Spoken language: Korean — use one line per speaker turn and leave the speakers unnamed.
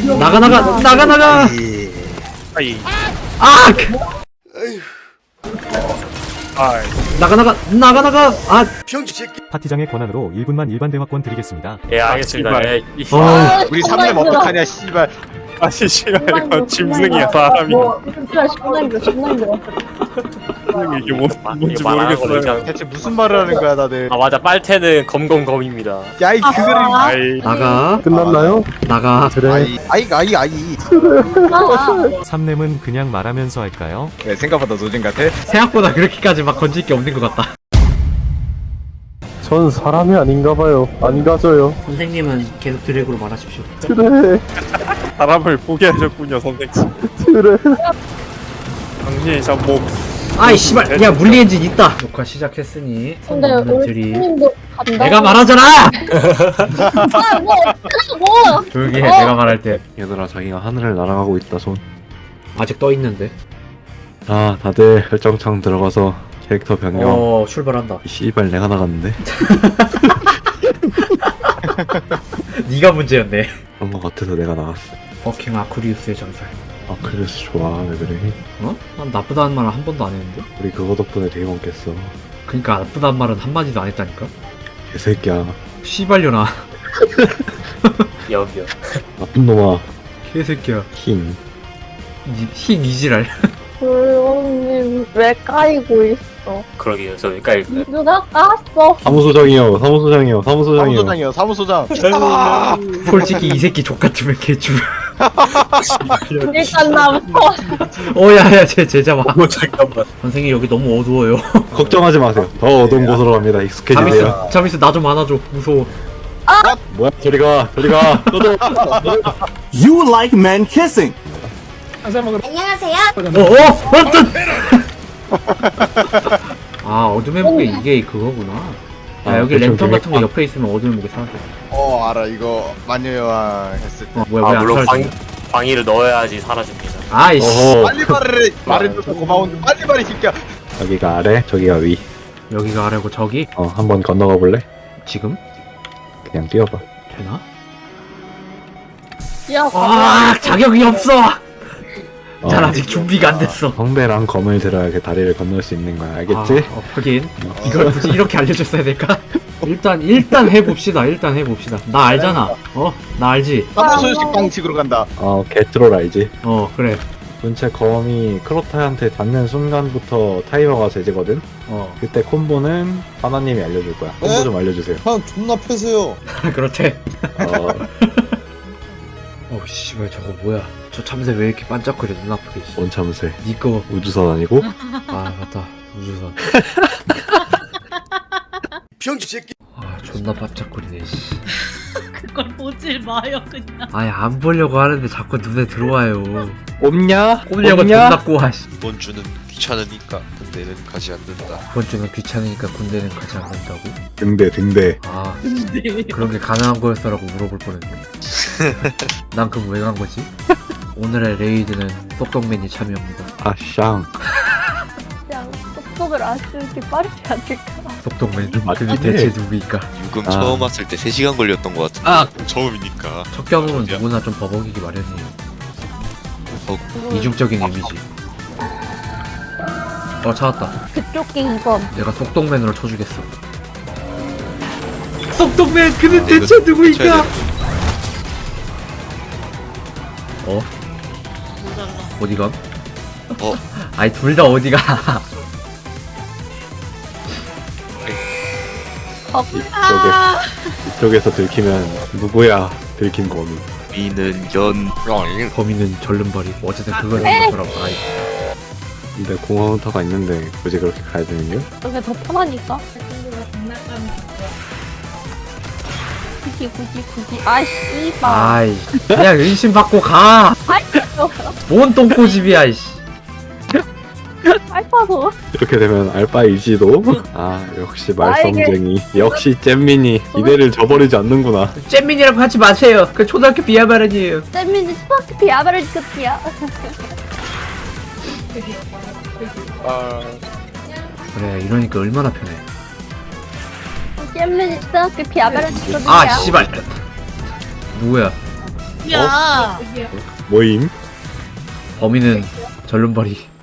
나가.
아이.
아!
아이.
나가. 아,
파티장의 권한으로 1분만 일반 대화권 드리겠습니다.
예, 알겠습니다. 예.
우리 3렘 어떡하냐 씨발.
아니, 씨발, 이거 짐승이야, 사람이.
진짜 신나 힘들어.
이게 뭔지 모르겠어요.
대체 무슨 말을 하는 거야 다들.
아, 맞아. 빨테는 검검검입니다.
야이 그들이.
아이.
나가.
끝났나요?
나가.
아이.
삼렘은 그냥 말하면서 할까요?
네, 생각보다 노잼 같아.
생각보다 그렇게까지 막 건질 게 없는 것 같다.
전 사람이 아닌가봐요. 안 가져요.
선생님은 계속 드래그로 말하십시오.
그래.
사람을 포기하셨군요, 선생님.
그래.
당신이 참 뭐.
아이 씨발, 야 물리 엔진 있다. 녹화 시작했으니
근데 우리 팀도 간다.
내가 말하잖아.
뭐?
조용히 해. 내가 말할 때
얘들아, 자기가 하늘을 날아가고 있다. 손.
아직 떠 있는데.
자, 다들 설정창 들어가서 캐릭터 변경.
출발한다.
이 씨발, 내가 나갔는데.
네가 문제였네.
그런 거 같아서 내가 나갔어.
버킹 아쿠리우스의 전설.
아, 그래서 좋아. 왜 그래?
어? 난 나쁘다는 말을 한 번도 안 했는데.
우리 그거 덕분에 되게 많겠어.
그러니까 나쁘다는 말은 한 마디도 안 했다니까.
개새끼야.
씨발려나.
여기요.
나쁜 놈아.
개새끼야.
흰.
흰 이지랄.
불원님 왜 까이고 있어?
그러게요. 저 여기까지.
누가 깠어?
사무소장이요.
사무소장.
솔직히 이 새끼 족 같으면 개줄.
일단 나부터.
야야 쟤 잡아.
잠깐만.
선생님 여기 너무 어두워요.
걱정하지 마세요. 더 어두운 곳으로 갑니다. 익숙해지세요.
자미스 나 좀 안아줘. 무서워.
뭐야? 저리가. 너도.
You like man kissing.
아 어둠의 무게 이게 그거구나. 야 여기
대충
랜턴 같은 거
되겠다.
옆에 있으면 어둠의 무게 사라져.
알아 이거 마녀 여왕 했을 때.
뭐야
아,
왜안
물론
사라져?
방위를 넣어야지 사라집니다.
아이씨.
어허.
빨리 말해줘서 고마운데 빨리 말해 새끼야.
여기가 아래, 저기가 위.
여기가 아래고 저기
한번 건너가 볼래?
지금
그냥 뛰어봐.
되나?
야,
자격이 없어. 난 아직 준비가 안 됐어.
성배랑 검을 들어야 그 다리를 건널 수 있는 거야. 알겠지?
하긴 이걸 굳이 이렇게 알려줬어야 될까? 일단 해봅시다. 나 알잖아. 나 알지.
사무소식 방식으로 간다.
개트롤 알지?
그래.
본체 검이 크로타한테 닿는 순간부터 타이머가 제지거든? 그때 콤보는 하나님이 알려줄 거야. 콤보 좀 알려주세요.
형 존나 패세요.
그렇대.
어,
씨발 저거 뭐야? 저 참새 왜 이렇게 반짝거려? 눈 아프게.
뭔 참새?
니꺼.
우주선 아니고?
아 맞다. 우주선.
병신 새끼.
존나 반짝거리네. 씨.
그걸 보질 마요 그냥.
아니 안 보려고 하는데 자꾸 눈에 들어와요.
없냐?
꼼려가 존나 꼬아.
이번 주는 귀찮으니까 군대는 가지 않는다.
이번 주는 귀찮으니까 군대는 가지 않는다고?
등대.
아
근데
그런 게 가능한 거였어라고 물어볼 뻔했네. 난 그럼 왜 간 거지? 오늘의 레이드는 똑똑맨이 참여합니다.
아샹.
그냥 속도를 안 쓰기 빠르지 않을까?
똑똑맨
맞긴
그게
해.
대체 누구일까?
유금
아.
처음 왔을 때 3시간 걸렸던 것 같은데. 처음이니까.
첫 경험은 누구나 좀 버벅이기 마련이에요. 이중적인 의미지. 찾았다.
그쪽 게 2번.
내가 속독맨으로 쳐주겠어. 속독맨 그는
이거
대체 누구일까?
쳐야
모자라.
어디가? 아니 둘 다 어디가?
이쪽에서 들키면 누구야? 들킨 거미.
미는 연.
범인은 절름발이. 어쨌든 그걸 하는 거라고. 아이.
근데 공허 헌터가 있는데 굳이 그렇게 가야 되는 게?
그게 더 편하니까.
친구가 장난감이
굳이. 아, 씨발.
아이. 그냥 의심 받고 가. 뭔 똥꼬집이야 이씨.
알파도.
이렇게 되면 알바이지도? 역시 말썽쟁이. 역시 잼민이. 이대를 저버리지 않는구나.
잼민이라고 하지 마세요. 그 초등학교 비하발언이에요.
쌤민이 스파크피 아바르지 끝이야.
그래 이러니까 얼마나 편해.
쌤민이 스파크피 아바르지 끝이야.
아 씨발. 누구야?
야
모임.
범인은 절름발이